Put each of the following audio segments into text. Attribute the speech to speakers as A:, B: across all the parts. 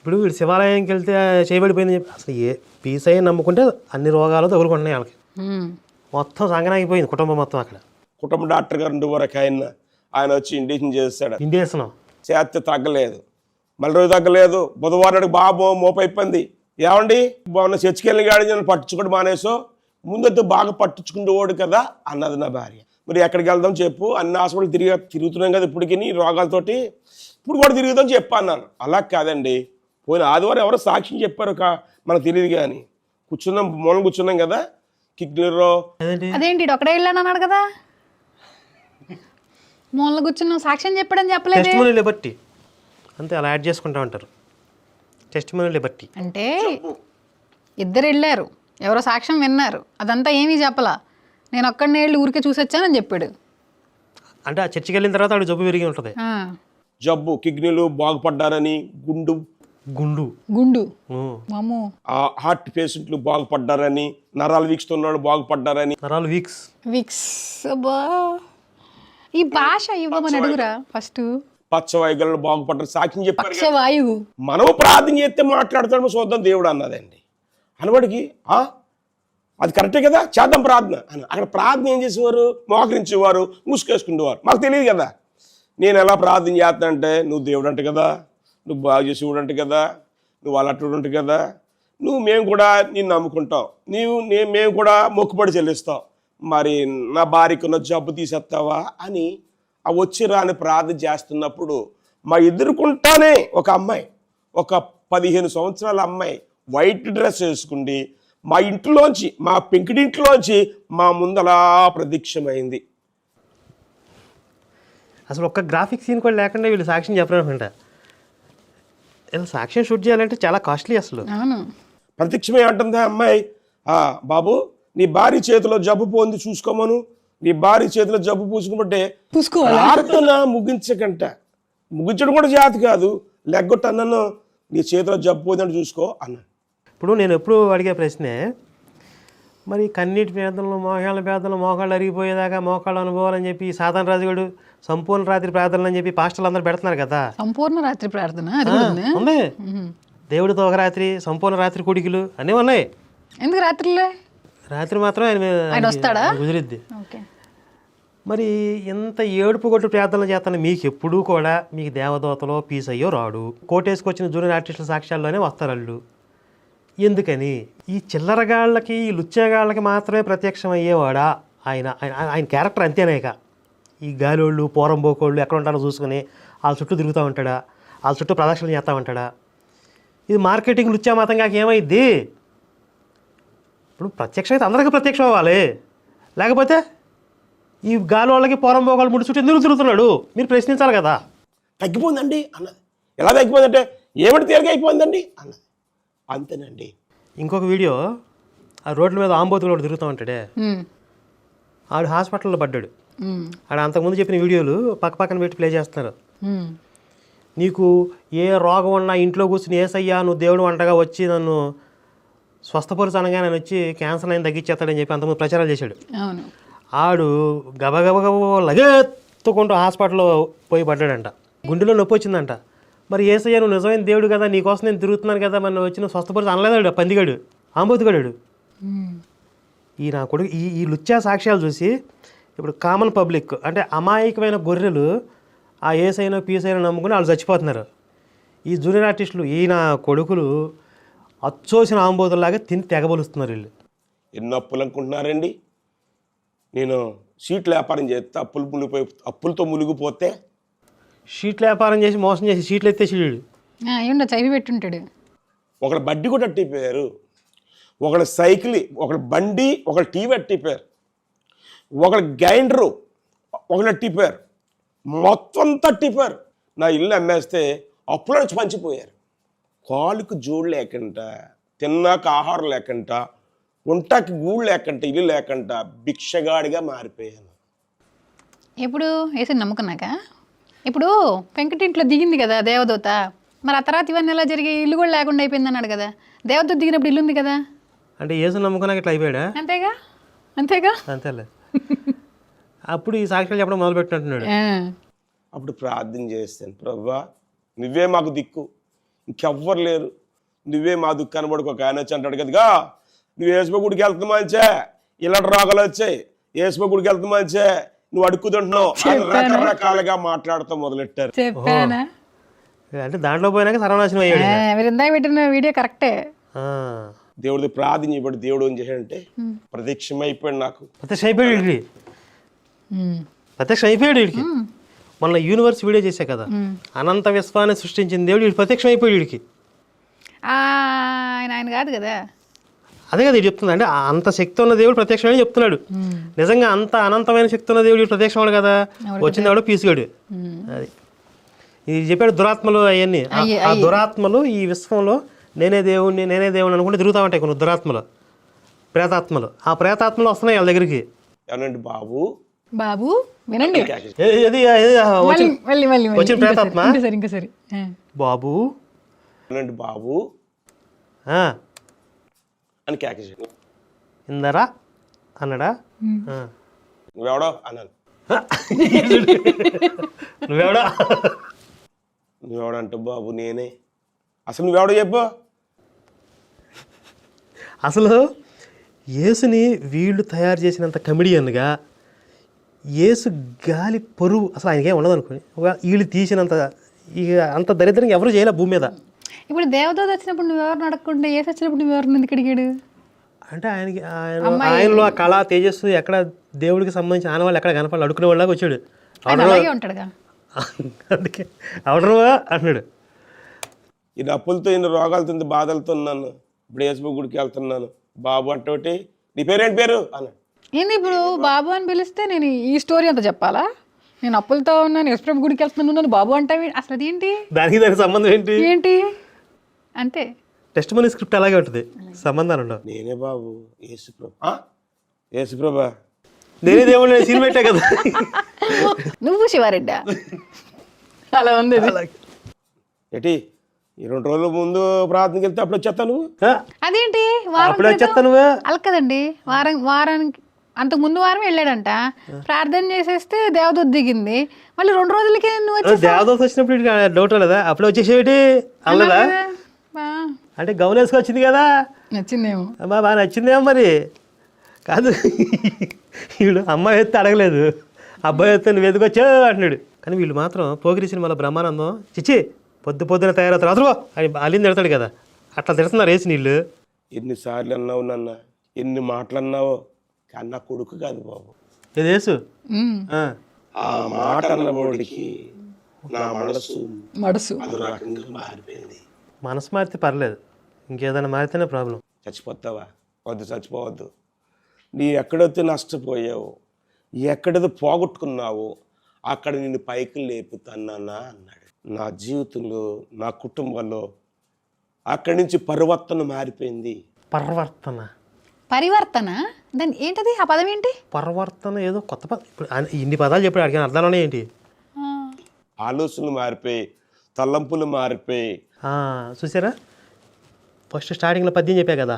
A: ఇప్పుడు వీడు శివాలయానికి వెళ్తే చేయబడిపోయింది చెప్పి అసలు ఏ పీసయ్య నమ్ముకుంటే అన్ని రోగాలు తగులుకుంటున్నాయి వాళ్ళకి. మొత్తం సంగనాగిపోయింది కుటుంబం మొత్తం అక్కడ.
B: కుటుంబ డాక్టర్ గారు ఉండే వరకు ఆయన వచ్చి ఇండిషన్ చేస్తాడు.
A: ఇండియేషన్
B: చేస్తే తగ్గలేదు, మళ్ళీ రోజు తగ్గలేదు. బుధవారం బాబు మోపైపోయింది. ఏమండి బాగున్న చర్చికెళ్ళి గాడి నన్ను పట్టించుకోవడం మానేసో, ముందైతే బాగా పట్టించుకుంటేవాడు కదా అన్నది నా భార్య. మరి ఎక్కడికి వెళ్దాం చెప్పు, అన్ని హాస్పిటల్ తిరుగుతున్నాం కదా ఇప్పటికి రోగాలతోటి, ఇప్పుడు కూడా తిరుగుదాం చెప్పు అన్నాను. అలా కాదండి, పోయిన ఆదివారం ఎవరో సాక్ష్యం చెప్పారు మనకు తెలియదు కానీ కూర్చున్నాం, మూలం కూర్చున్నాం కదా కిడ్నీలో.
C: అదేంటి ఒకడే వెళ్ళాను అన్నాడు కదా, మూల కూర్చున్నాం సాక్ష్యం చెప్పడం చెప్పలేదు.
A: టెస్టిమోనీని బట్టి అంతే అలా యాడ్ చేసుకుంటా ఉంటారు. టెస్టిమోనీని బట్టి
C: అంటే ఇద్దరు వెళ్ళారు, ఎవరో సాక్ష్యం విన్నారు, అదంతా ఏమీ చెప్పలా, నేను ఒక్కడిని వెళ్ళి ఊరికే చూసొచ్చానని చెప్పాడు.
A: అంటే ఆ చర్చికి వెళ్ళిన తర్వాత ఆవిడ జబ్బు పెరిగి ఉంటుంది.
B: జబ్బు కిడ్నీలు బాగుపడ్డారని, గుండు హార్ట్ పేషెంట్లు బాగుపడ్డారని, నరాలు వీక్స్ ఉన్నాడు బాగుపడ్డారని.
A: నరాలు వీక్స్
C: ఈ భాష ఇవ్వమని అడుగురా ఫస్ట్.
B: పచ్చవాయువులు బాగుపడ్డారు సాక్ష్యం చెప్పారు.
C: పక్షవాయువు
B: మనం ప్రార్థన చేస్తే మాట్లాడతాడు చూద్దాం దేవుడు అన్నదండి. అనవాడికి అది కరెక్టే కదా, చేద్దాం ప్రార్థన అని. అక్కడ ప్రార్థన ఏం చేసేవారు, మోకరించేవారు, ముసుకేసుకునేవారు. మాకు తెలియదు కదా. నేను ఎలా ప్రార్థన చేస్తా అంటే, నువ్వు దేవుడు అంటే కదా, నువ్వు బాగా చేసేవాడు అంటే కదా, నువ్వు అలట్టుడు అంటే కదా, మేము కూడా నిన్ను నమ్ముకుంటాం, మేము కూడా మొక్కుబడి చెల్లిస్తాం, మరి నా భార్యకున్న జబ్బు తీసేస్తావా అని ఆ వచ్చి రాని ప్రార్థన చేస్తున్నప్పుడు మా ఎదుర్కొంటానే ఒక అమ్మాయి, ఒక 15 సంవత్సరాల అమ్మాయి వైట్ డ్రెస్ వేసుకుండి మా ఇంట్లోంచి, మా పెంకిడింట్లోంచి మా ముందలా ప్రత్యక్షమైంది.
A: అసలు ఒక్క గ్రాఫిక్ సీన్ కూడా లేకుండా వీళ్ళు సాక్ష్యం చెప్పారనుకుంటా. ఇలా సాక్ష్యం షూట్ చేయాలంటే చాలా కాస్ట్లీ. అసలు
B: ప్రత్యక్షమే అంటుంది అమ్మాయి, బాబు నీ భార్య చేతిలో జబ్బు పోంది చూసుకోమను, నీ భార్య చేతిలో జబ్బు పూసుకుంటే ప్రార్థన ముగించడం కూడా జాతి కాదు, లెగ్గొట్టు అన్నను నీ చేతిలో జబ్బు పోయిందని చూసుకో అన్నాను.
A: ఇప్పుడు నేను ఎప్పుడు అడిగే ప్రశ్నే, మరి కన్నీటి పేదలు, మోకాళ్ళ పేదలు, మోకాళ్ళు అరిగిపోయేదాకా మోకాళ్ళు అనుభవాలని చెప్పి సాధారణ రాజుగాడు సంపూర్ణ రాత్రి ప్రార్థనలు అని చెప్పి పాస్టర్లు అందరూ పెడుతున్నారు కదా.
C: సంపూర్ణ రాత్రి ప్రార్థన
A: ఉంది, దేవుడితో ఒక రాత్రి, సంపూర్ణ రాత్రి కొడికలు అన్నీ ఉన్నాయి.
C: ఎందుకు
A: రాత్రి మాత్రం ఆయన
C: వస్తాడా
A: కుదిరిద్ది. మరి ఇంత ఏడుపు కొట్టు ప్రార్థనలు చేస్తాను మీకు ఎప్పుడూ కూడా మీకు దేవదూతలో పీసయ్యో రాడు, కోటేసుకొచ్చిన జూనియర్ ఆర్టిస్టుల సాక్ష్యాల్లోనే వస్తారు వాళ్ళు. ఎందుకని ఈ చిల్లరగాళ్ళకి, ఈ లుచ్చేగాళ్ళకి మాత్రమే ప్రత్యక్షం అయ్యేవాడా ఆయన? ఆయన క్యారెక్టర్ అంతేనేక. ఈ గాలోళ్ళు, పోరంబోకోళ్ళు ఎక్కడ ఉంటారో చూసుకుని వాళ్ళ చుట్టూ తిరుగుతూ ఉంటాడా, వాళ్ళ చుట్టూ ప్రదక్షిణలు చేస్తూ ఉంటాడా? ఇది మార్కెటింగ్ లుచ్చా మతంగా ఏమైద్ది? ఇప్పుడు ప్రత్యక్షం అయితే అందరికీ ప్రత్యక్షం అవ్వాలి, లేకపోతే ఈ గాలోళ్ళకి పోరంబోకోళ్ళు ముడి చుట్టూ ఎందుకు తిరుగుతున్నాడు మీరు ప్రశ్నించాలి కదా.
B: తగ్గిపోయిందండి అన్నది. ఎలా తగ్గిపోయిందంటే ఏమిటి తేలిక అయిపోయిందండి అన్నది. అంతేనండి.
A: ఇంకొక వీడియో, ఆ రోడ్ల మీద ఆంబోతులు తిరుగుతూ ఉంటాడే, ఆడు హాస్పిటల్లో పడ్డాడు. ఆడ అంతకుముందు చెప్పిన వీడియోలు పక్కన పెట్టి ప్లే చేస్తున్నారు. నీకు ఏ రోగం ఉన్నా ఇంట్లో కూర్చుని ఏసయ్యా నువ్వు దేవుడు వంటగా వచ్చి నన్ను స్వస్థపరుచు అనగా నేను వచ్చి క్యాన్సర్ అయిన తగ్గించేస్తాడని చెప్పి అంతకుముందు ప్రచారాలు చేశాడు. ఆడు గబగబగబ లగెత్తుకుంటూ హాస్పిటల్లో పోయి పడ్డాడంట. గుండెలో నొప్పి వచ్చిందంట. మరి ఏసయ్యా నువ్వు నిజమైన దేవుడు కదా, నీకోసం నేను తిరుగుతున్నాను కదా, మరి నువ్వు వచ్చిన స్వస్థపరుచు అనలేదాడు పందిగాడు, ఆంబోతుగాడు. ఈ నా కొడుకు ఈ లుచ్చా సాక్ష్యాలు చూసి ఇప్పుడు కామన్ పబ్లిక్ అంటే అమాయకమైన గొర్రెలు ఆ ఏసైనా పీసైనా నమ్ముకుని వాళ్ళు చచ్చిపోతున్నారు. ఈ జూనియర్ ఆర్టిస్టులు ఈయన కొడుకులు అచ్చోసిన ఆంబోతుల్లాగా తిని తెగబలుస్తున్నారు. వీళ్ళు
B: ఎన్నో అప్పులు అనుకుంటున్నారండి. నేను షీట్ల వ్యాపారం చేస్తే అప్పులతో మునిగిపోతే,
A: షీట్ల వ్యాపారం చేసి మోసం చేసి షీట్లు ఎత్తేసాడు.
C: చదివి పెట్టుంటాడు.
B: ఒకళ్ళ బడ్డీ కూడా అట్టిపోయారు, ఒకళ్ళ సైకిల్, ఒకళ్ళ బండి, ఒకళ్ళ టీవీ అట్టిపోయారు, ఒకళ్ళ గ్రైండరు, ఒకళ్ళు అట్టిపోయారు, మొత్తం తట్టిపోయారు. నా ఇల్లు అమ్మేస్తే అప్పుల నుంచి పంచిపోయారు. కాలుకు జోడు లేకుండా, తిన్నాక ఆహారం లేకుండా, ఉంటాకి గూడు లేకుండా, ఇల్లు లేకుండా భిక్షగాడిగా మారిపోయాను.
C: ఎప్పుడు వేసి నమ్ముకున్నాక, ఇప్పుడు పెంకటింట్లో దిగింది కదా దేవదూత, మరి ఆ తర్వాత ఇవన్నీ ఎలా జరిగాయి? ఇల్లు కూడా లేకుండా అయిపోయింది అన్నాడు కదా, దేవదూత దిగినప్పుడు ఇల్లు ఉంది కదా,
A: అంటే యేసు నమ్ముకున్నాక ఇట్లా అయిపోయాడా?
C: అంతేగా
A: అంతేలే. అప్పుడు ఈ సాక్ష్యాలు చెప్పడం మొదలుపెట్టినట్టున్నాడు.
B: అప్పుడు ప్రార్థన చేస్తాను, ప్రభువా నువ్వే మాకు దిక్కు, ఇంకెవ్వరు లేరు. నువ్వే మా దుఃఖాన్ని పడుకో. ఒక ఆయన వచ్చి అంటాడు కదగా, నువ్వు యేసుప్రభు గుడికి వెళ్తున్నా మంచే, ఇలాంటి రోగాలు వచ్చాయి, యేసుప్రభు గుడికి వెళ్తున్నా మంచే, నువ్వు అడుక్కుతుంటున్నావు అని రకరకాలుగా మాట్లాడుతూ మొదలెట్టారు.
C: చెప్పానా?
A: అంటే దాంట్లో పోయినాక సర్వనాశనం అయ్యాడు.
C: మీరు ఇందాక పెట్టిన వీడియో కరెక్టే.
B: దేవుడిది ప్రార్థన చేయబడి దేవుడు ఏం చేశాడంటే ప్రత్యక్షం అయిపోయాడు. నాకు
A: ప్రత్యక్షం అయిపోయాడు వీడికి. ప్రత్యక్షం అయిపోయాడు వీడికి. మన యూనివర్స్ వీడియో చేసా కదా, అనంత విశ్వాన్ని సృష్టించిన దేవుడు వీడు ప్రత్యక్షం అయిపోయాడు వీడికి.
C: ఆయన కాదు కదా.
A: అదే కదా ఇది చెప్తుంది. అంటే అంత శక్తి ఉన్న దేవుడు ప్రత్యక్షమని చెప్తున్నాడు. నిజంగా అంత అనంతమైన శక్తి ఉన్న దేవుడు ప్రత్యక్షమాడు కదా, వచ్చిందాడు పీసుగాడు. అది ఇది చెప్పాడు. దురాత్మలు అవన్నీ, ఆ దురాత్మలు ఈ విశ్వంలో నేనే దేవుణ్ణి అనుకుంటే తిరుగుతా ఉంటాయి కొన్ని దురాత్మలు, ప్రేతాత్మలు. ఆ ప్రేతాత్మలు వస్తున్నాయి వాళ్ళ దగ్గరికి.
B: ఏమనండి బాబు
C: బాబు వినండి,
A: వచ్చిన ప్రేతాత్మ
C: ఇంకా సరే
A: బాబు
B: ఏమనండి బాబు అని కేకేసాడు.
A: ఇందరా అన్నాడా?
B: నువ్వెవడో అన్నాను. నువ్వెవడంటే బాబు నేనే. అసలు నువ్వెవడో చెప్పు.
A: అసలు యేసుని వీళ్ళు తయారు చేసినంత కమెడియన్గా యేసు గాలి పరువు అసలు ఆయనకేం ఉండదు అనుకోని, వీళ్ళు తీసినంత ఇక అంత దరిద్రంగా ఎవరు చేయలే భూమి మీద.
C: ఇప్పుడు దేవదూత వచ్చినప్పుడు నువ్వెవరిని అడగకుండా యేసు వచ్చినప్పుడు నువ్వెవరిని ఎందుకు అడిగాడు?
A: అంటే ఆయనలో ఆ కళ తేజస్సు ఎక్కడ దేవుడికి సంబంధించిన ఆనవాళ్ళు ఎక్కడ కనపడాలి, అడుకునే వాళ్ళకి వచ్చాడు.
C: అలాగే ఉంటాడుగా.
A: అందుకే అవడరువా అన్నాడు.
B: ఈ నప్పులతో ఇన్ని రోగాలతో బాధలతో ఉన్నాను. ఇప్పుడు యేసుప్రభు గుడికి వెళ్తున్నాను. బాబు అంటే నీ పేరేంటి పేరు అన్నాడు.
C: ఏంది ఇప్పుడు బాబు అని పిలిస్తే నేను ఈ స్టోరీ అంతా చెప్పాలా? నేను అప్పులతో ఉన్నాను, యేసుప్రభు గుడికి వెళ్తున్నాను, బాబు అంటావి, అసలు అదేంటి?
A: దానికి సంబంధం ఏంటి?
C: అంతే,
A: టెస్ట్ మనీ స్క్రిప్ట్ అలాగే ఉంటుంది, సంబంధాలు ఉండవు.
B: నేనే బాబు యేసుప్రభా
A: నేనే దేవుడు సీన్ పెట్టా కదా.
C: నువ్వు శివారెడ్డా అలా ఉంది.
B: ఏంటి ఈ 2 రోజుల ముందు ప్రార్థనకి వెళ్తే అప్పుడు వచ్చేస్తా నువ్వు?
C: అదేంటి
A: అప్పుడు వచ్చేస్తా నువ్వు?
C: అలా కదండి, వారానికి అంతకు ముందు వారం వెళ్ళాడంట, ప్రార్థన చేసేస్తే దేవదూత దిగింది, మళ్ళీ 2 రోజులకే నువ్వు వచ్చి.
A: దేవదూత వచ్చినప్పుడు డౌట్ లేదా? అప్పుడు వచ్చేసేటి అల్లదా? అంటే గౌన్ వేసుకొచ్చింది కదా,
C: నచ్చిందేమో,
A: బాగా నచ్చిందేమో మరి. కాదు వీడు అమ్మాయి ఎత్తే అడగలేదు, అబ్బాయి ఎత్తే నువ్వు ఎదుకొచ్చావు అంటున్నాడు. కానీ వీళ్ళు మాత్రం పోగిరి సినిమాలో బ్రహ్మానందం చిచ్చి పొద్దున తయారవుతారు అసలు అని అల్లింది తిడతాడు కదా, అట్లా తిడుతున్నారు వేసి నీళ్ళు.
B: ఎన్నిసార్లు అన్నావు నాన్న, ఎన్ని మాటలు అన్నావో, కానీ నా కొడుకు కాదు బాబు.
A: ఏది వేసు?
B: ఆ మాట అన్నవాడికి నా మనసు అది రకంగా మారిపోయింది.
A: మనసు మారితే పర్లేదు, ఇంకేదైనా మారితేనే ప్రాబ్లం.
B: చచ్చిపోతావా? వద్దు, చచ్చిపోవద్దు. నీ ఎక్కడైతే నష్టపోయావు, ఎక్కడైతే పోగొట్టుకున్నావో అక్కడ నిన్ను పైకి లేపుతానన్నా అన్నాడు. నా జీవితంలో, నా కుటుంబంలో అక్కడి నుంచి పరివర్తన మారిపోయింది.
C: పరివర్తన దాని ఏంటది? ఆ పదం ఏంటి?
A: పరివర్తన ఏదో కొత్త పదం. ఇప్పుడు ఇన్ని పదాలు చెప్పాడు, అడిగిన అర్థాలు ఏంటి?
B: ఆలోచనలు మారిపోయి, తలంపులు మారిపోయి.
A: చూసారా, ఫస్ట్ స్టార్టింగ్లో 10 చెప్పా కదా,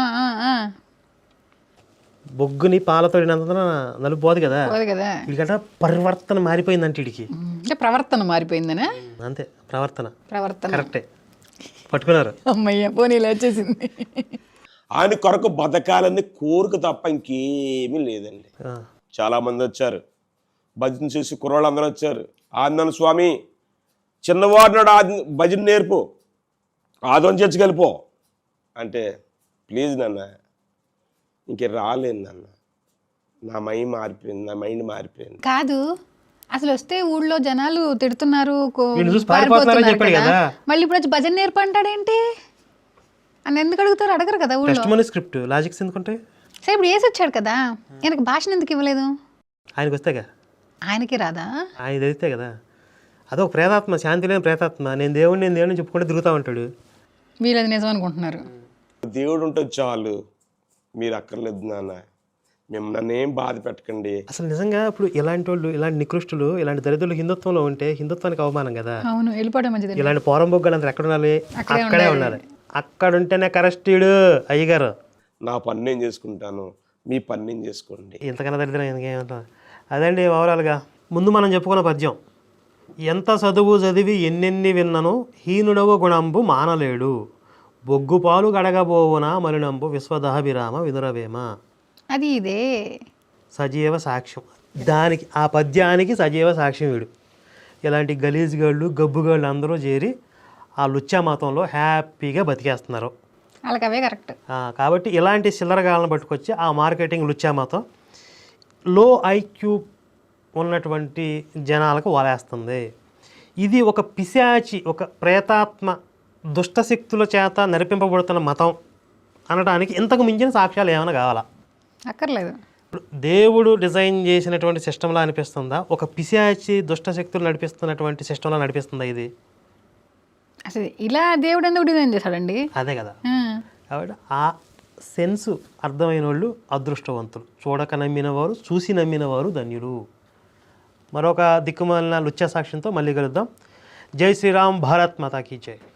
A: బొగ్గుని పాలతోడినంత నలుపు పోదు కదా, వీడికంట పరివర్తన మారిపోయిందంటే వీడికి.
C: ప్రవర్తన మారిపోయిందనే,
A: అంతే. ప్రవర్తన కరెక్టే, పట్టుకున్నారు.
C: అమ్మయ్య పోనీలో వచ్చేసింది.
B: ఆయన కొరకు బతకాలని కోరిక తప్ప ఇంకేమీ లేదండి. చాలా మంది వచ్చారు, భజన చేసి కుర్రాళ్ళు అందరూ వచ్చారు. ఆందన స్వామి చిన్నవాడు నాడు భజన నేర్పు, ఆదోని చర్చకెళ్ళిపో అంటే, ప్లీజ్ నాన్న ఇంక రాలేదు నాన్న, నా మైండ్ మారిపోయింది.
C: కాదు అసలు వస్తే ఊళ్ళో జనాలు తిడుతున్నారు, మళ్ళీ ఇప్పుడు వచ్చి భజన నేర్పు అంటాడేంటి అని ఎందుకు అడుగుతారు? అడగరు కదా ఊళ్ళో.
A: స్క్రిప్ట్ లాజిక్స్ ఎందుకుంటాయి?
C: సరే ఇప్పుడు వేసి వచ్చాడు కదా, ఆయనకు భాషను ఎందుకు ఇవ్వలేదు?
A: ఆయనకు వస్తాగా,
C: ఆయనకి రాదా?
A: ఆయన తెలిస్తే కదా. అదొక ప్రేతాత్మ, శాంతి లేని ప్రేతాత్మ. నేను దేవుడిని చెప్పుకుంటే తిరుగుతూ ఉంటాడు.
C: వీళ్ళది నిజం అనుకుంటున్నారు.
B: దేవుడు ఉంటే చాలు, మీరు అక్కర్లేదు నాన్న, మేము నన్నేం బాధ పెట్టకండి.
A: అసలు నిజంగా ఇప్పుడు ఇలాంటి వాళ్ళు, ఇలాంటి నికృష్టులు, ఇలాంటి దరిద్రులు హిందుత్వంలో ఉంటే హిందుత్వానికి అవమానం కదా.
C: అవును, వెళ్ళిపోవడం మంచిది.
A: ఇలాంటి పోరంబొగ్గలు అంతా ఎక్కడ ఉండాలి? అక్కడే ఉండాలి. అక్కడ ఉంటేనే కరెస్టీడు అయ్యగారు.
B: నా పని నేను చేసుకుంటాను, మీ పని నేను చేసుకోండి.
A: ఇంతకన్నా దరిద్రం ఇంకేమంటా. అదండి ఓవరాల్గా. ముందు మనం చెప్పుకున్న పద్యం, ఎంత చదువు చదివి ఎన్నెన్ని విన్నను హీనుడవు గుణంబు మానలేడు, బొగ్గుపాలు గడగబోవున మలినంబు విశ్వదహభిరామ వినురవేమ.
C: అది ఇదే
A: సజీవ సాక్ష్యం. దానికి ఆ పద్యానికి సజీవ సాక్ష్యం వీడు. ఇలాంటి గలీజ్గాళ్ళు గబ్బుగాళ్ళు అందరూ చేరి ఆ లుచ్చా మతంలో హ్యాపీగా బతికేస్తున్నారు.
C: వాళ్ళకి అవే కరెక్ట్.
A: కాబట్టి ఇలాంటి చిల్లరగాళ్ళని పట్టుకొచ్చి ఆ మార్కెటింగ్ లుచ్చా మతం లో ఐక్యూ ఉన్నటువంటి జనాలకు వలేస్తుంది. ఇది ఒక పిశాచి, ఒక ప్రేతాత్మ దుష్టశక్తుల చేత నడిపింపబడుతున్న మతం అనడానికి ఇంతకు మించిన సాక్ష్యాలు ఏమైనా కావాలా?
C: అక్కర్లేదు.
A: ఇప్పుడు దేవుడు డిజైన్ చేసినటువంటి సిస్టంలా అనిపిస్తుందా, ఒక పిశాచి దుష్టశక్తులు నడిపిస్తున్నటువంటి సిస్టంలా నడిపిస్తుందా ఇది?
C: అసలు ఇలా దేవుడు ఎందుకు డిజైన్ చేశాడండి?
A: అదే కదా. కాబట్టి ఆ సెన్స్ అర్థమైన వాళ్ళు అదృష్టవంతులు, చూడక నమ్మిన వారు, చూసి నమ్మిన వారు ధన్యులు. మరొక దిక్కుమాలిన లుచ్చా సాక్ష్యంతో మళ్ళీ కలుద్దాం. జై శ్రీరామ్, భారత్ మాతా కీ జై.